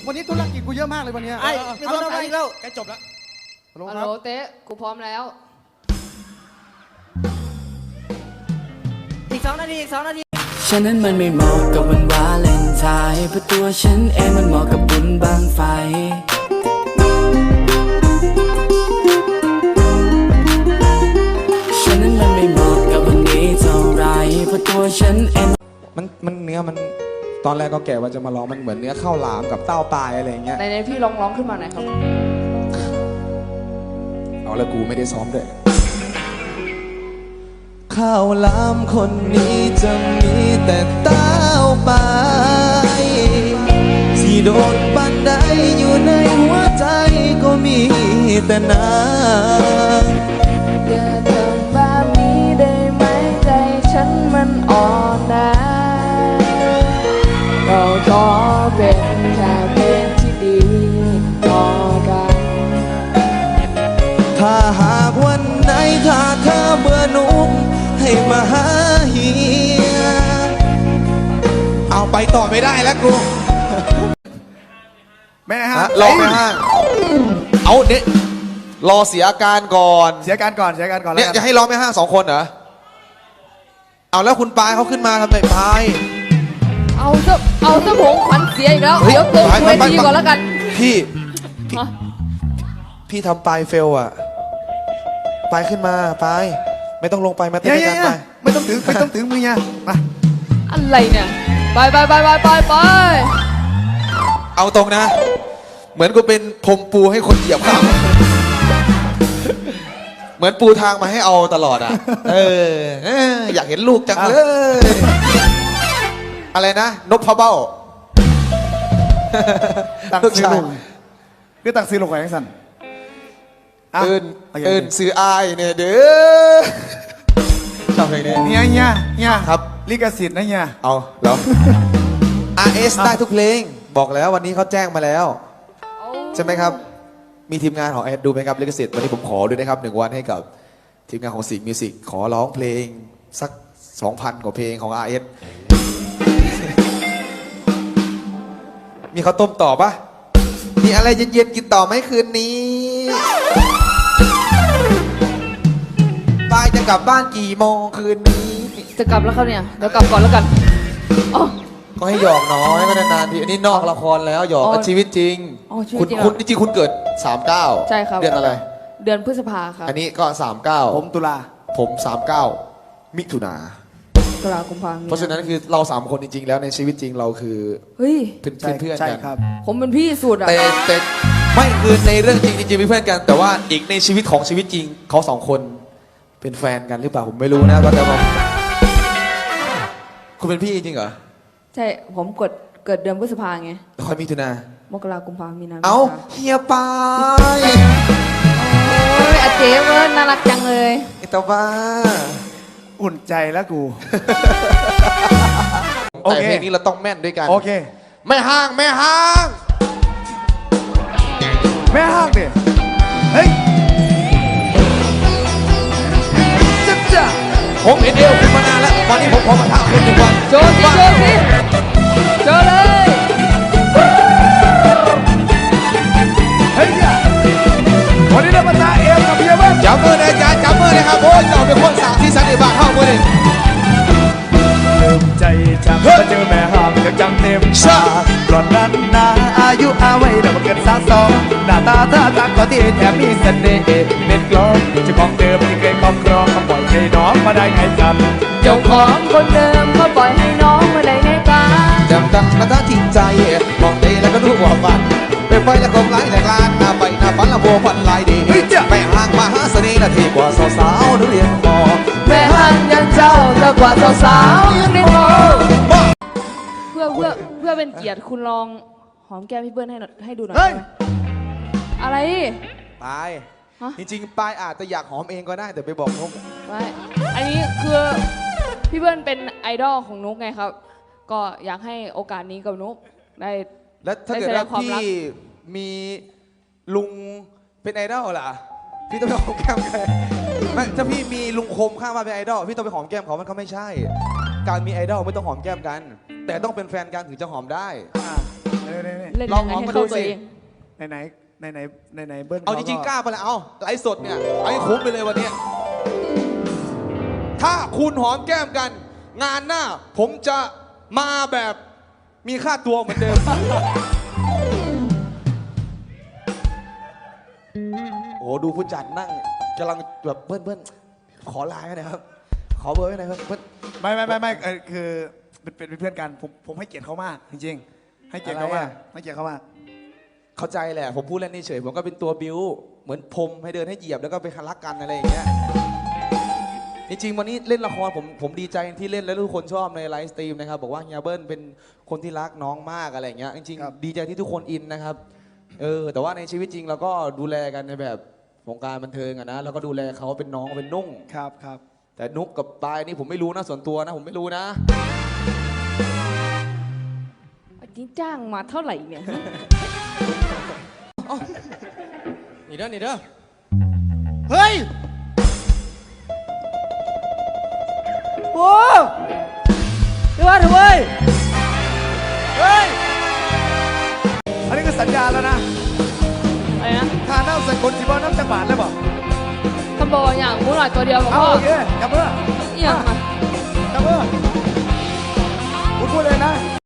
วันนี้ธุรกิจกูเยอะมากเลยวันนี้ไอ้มีคนเอาไปอีกแล้วใกล้จบแล้วฮัลโหลเต๊ะกูพร้อมแล้วอีก2 นาทีอีก2 นาทีฉันนั้นมันไม่เหมาะกับวันวาเลนไทน์เพราะตัวฉันเองมันเหมาะกับบุญบังไฟฉันนั้นมันไม่เหมาะกับวันนี้เท่าไรเพราะตัวฉันเองมันเนื้อมันตอนแรกก็แก่ว่าจะมาร้องมันเหมือนเนื้อข้าวหลามกับเต้าปลายอะไรอย่างเงี้ยในพี่ร้องขึ้นมาหน่อยครับเอาแล้วกูไม่ได้ซ้อมด้วยข้าวหลามคนนี้จะมีแต่เต้าปลายที่โดนปันได้อยู่ในหัวใจก็มีแต่น้ำอย่าทำแบบนี้ได้ไหมใจฉันมันอ่อนนะเราขอเป็นแค่เพื่อนที่ดีต่อกันถ้าหากวันไหนถ้าเธอเบื่อหนุ่มให้มาหาเฮียเอาไปต่อไม่ได้แล้วกูแม่ฮะรอไม่ห้างเอาเนี่ยรอเสียอาการก่อนเสียการก่อนเนี่ยจะให้รอไม่ห้าง2 คนเหรอเอาแล้วคุณปายเขาขึ้นมาทำไมปายเอาซะผงขวัญเสียอีกแล้วเดี๋ยวเกินเวทีก่อนแล้วกันพี่ทำปายเฟลอะปายขึ้นมาปายไม่ต้องลงไปมาเต้นกันไปไม่ต้องถึงมือเนี่ยมาอะไรเนี่ยไปเอาตรงนะเหมือนกูเป็นพรมปูให้คนเหยียบข้ามเหมือนปูทางมาให้เอาตลอดอ่ะอยากเห็นลูกจังเลยอะไรนะนพเบ้าตักซื้อลูกคือตักซื้อลูกไว้ยังสั่นเอิญซื้ออายเนี่ยเด้อชอบเพลงนี้เนี่ยครับลิขสิทธิ์นะเนี่ยเอาแล้ว RS ได้ทุกเพลงบอกแล้ววันนี้เขาแจ้งมาแล้วใช่ไหมครับมีทีมงานของ RS ดูไหมครับลิขสิทธิ์วันนี้ผมขอด้วยนะครับ1 วันให้กับทีมงานของสิงห์มิวสิกขอร้องเพลงสัก 2,000 กว่าเพลงของ RS มีข้าวต้มต่อปะมีอะไรเย็นๆกินต่อไหมคืนนี้ปายจะกลับบ้านกี่โมงคืนนี้จะกลับแล้วครับเนี่ยเดี๋ยวกลับก่อนแล้วกันก็ให้หยอกน้อยก็นานๆทีอันนี้นอกละครแล้วหยอกชีวิตจริงคุณจริงคุณเกิด39 ใช่ครับเดือนอะไรเดือนพฤษภาครับอันนี้ก็39 ผมตุลาผม39มิถุนาตุลาคมเพราะฉะนั้นคือเรา3 คนจริงๆแล้วในชีวิตจริงเราคือเพื่อนกันผมเป็นพี่สุดอะแต่ไม่คือในเรื่องจริงเป็นเพื่อนกันแต่ว่าอีกในชีวิตของชีวิตจริงเขา2 คนเป็นแฟนกันหรือเปล่าผมไม่รู้นะก็แต่ว่าคุณเป็นพี่จริงเหรอใช่ผมเกิดเดือนพฤษภาไงคอยมิถุนามกราคมมีนาเอาเฮียปายโอ้ยอาเจ๊เว้ยน่ารักจังเลยไอ้ตาบ้าอุ่นใจแล้วกูแต่เพลงนี้เราต้องแม่นด้วยกันโอเคแม่ห้างดิเฮ้ยจ้าผมเห็นเอวคุณมานานแล้ววันนี้ผมขอมาท้าคุณ1 วันโชว์เลยเฮ้ยวันนี้เรามาท้าเอวกับเพียบ้างจับมือเลยอาจารย์จับมือเลยครับโอ้ยเราเป็นคนสาวที่สันติบาทเข้ามือเลยใจจังมาเจอแม่ห้ามก็จังเต็มตาก่อนนั้นนาอายุอาไว้เดี๋ยวมาเกิด32หน้าตาท่าทางก็ที่แถมมีเสน่ห์เป็นกลองเจ้าของเดิมที่เคยครอบครองก็ปล่อยให้น้องมาได้ไงกันเจ้าของคนเดิมก็ปล่อยให้น้องมาได้ไงกันจำตั้งมาตั้งทิ้งใจมองดีแล้วก็รู้ว่าฝันไปไฟแล้วคงไหลแหลกลานหน้าไปหน้าฝันละบัวฝันลายดีแม่ห้างมาหาเสน่ห์นาทีกว่าสาวๆนักเรียนมอแม่ห้างยังเจ้าจะกว่าสาวๆยังเรียนมอเพื่อเป็นเกียรติคุณลองหอมแก้มพี่เบิ้ลให้ดูหน่อยอะไรปายจริงๆปายอาจจะอยากหอมเองก็ได้แต่ไปบอกนุ๊กไม่อันนี้คือพี่เบิ้ลเป็นไอดอลของนุ๊กไงครับก็อยากให้โอกาสนี้กับนุ๊กได้แล้วถ้าเกิดว่าพี่มีลุงเป็นไอดอลล่ะพี่ต้องไปหอมแก้มใครไม่ถ้าพี่มีลุงคมข้างมาเป็นไอดอลพี่ต้องไปหอมแก้มเขามันก็ไม่ใช่การมีไอดอลไม่ต้องหอมแก้มกันแต่ต้องเป็นแฟนกันถึงจะหอมได้เล่นลอยัง งไงหอมให้มาเข้าดูตัวสิเองไหนเบิ้ลเอาจริงๆกล้าไปแล้วเอาไลฟ์สดเนี่ยเอาให้คุ้มไปเลยวันนี้ถ้าคุณหอมแก้มกัน งานหน้า ผมจะมาแบบมีค่าตัวเหมือนเดิม โอ้โหดูผู้จัดนั่งกำลังแบบเบิ้ลขอไลน์หน่อยครับ ขอเบอร์ไว้หน่อยครับเบิ้ลไม่คือเป็นเพื่อนกันผมให้เกียรติเขามากจริงๆให้เกียรติเขามากอะไรอะให้เกียรติเขามากเข้าใจแหละผมพูดเล่นเฉยๆผมก็เป็นตัวบิวเหมือนพรมให้เดินให้เหยียบแล้วก็ไปรักกันอะไรอย่างเงี้ยจริงๆวันนี้เล่นละครผมดีใจที่เล่นแล้วทุกคนชอบในไลฟ์สตรีมนะครับบอกว่าเฮียเบิ้ลเป็นคนที่รักน้องมากอะไรอย่างเงี้ยจริงๆดีใจที่ทุกคนอินนะครับแต่ว่าในชีวิตจริงเราก็ดูแลกันในแบบวงการบันเทิงอะนะแล้วก็ดูแลเขาเป็นน้องเป็นนุ่งครับแต่นุกกับปายนี่ผมไม่รู้นะส่วนตัวนะผมไม่รู้นะอันนี้จ้างมาเท่าไหร่เนี่ยนี่เด้อนี่เด้อเฮ้ยโอ้เดี๋ยวเถอะเว้ยเฮ้ยอันนี้ก็สัญญาแล้วนะอะไรนะทาน้ำใส่คนสีบอลน้ำจังหวัดเลยบอกคำบอกอย่างหมูหน่อยตัวเดียวกับเอาพ่อโอเคจับมือเอี่ยงมาจับมือคุณพูดเลยนะ